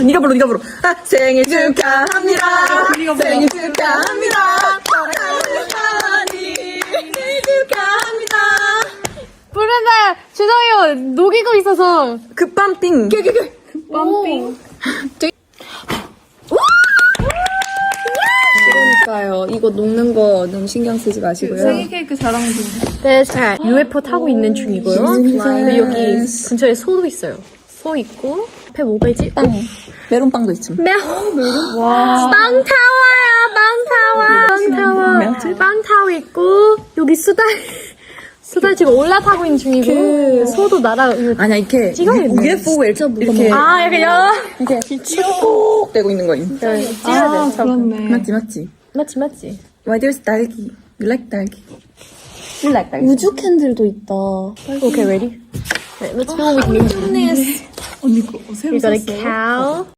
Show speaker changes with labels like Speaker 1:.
Speaker 1: 네가 불러. 아, 생일 축하합니다. 생일 축하합니다. 생일 축하합니다.
Speaker 2: 부른다. 죄송해요. 녹이고 있어서.
Speaker 1: 급밤핑.
Speaker 2: 빰핑.
Speaker 1: 그러니까요. 이거 녹는 거 너무 신경 쓰지 마시고요.
Speaker 2: 생일 케이크 자랑 중. 네, 잘 UFO 타고 있는 중이고요. 그리고 여기 근처에 소도 있어요. 소 있고 앞에 뭐가 있지?
Speaker 1: 빵. 메론빵도 있죠.
Speaker 2: 와. 빵 타워. 빵 타워 있고 여기 수달 지금 올라타고 있는 중이고 소도 날아.
Speaker 1: 아니야, 이렇게
Speaker 2: 찍어야겠네.
Speaker 1: UFO 이렇게
Speaker 2: 아, 약간
Speaker 1: 이렇게 쭉 되고 있는 거임.
Speaker 2: 찍어야 돼. 그렇네.
Speaker 1: 맞지?
Speaker 2: 맞지.
Speaker 1: Why there's 딸기? You like 딸기? You like 딸기?
Speaker 3: 우주 캔들도 있다.
Speaker 2: Okay, ready? Let's go with new.
Speaker 3: 언니 거 새로
Speaker 2: We got a cow.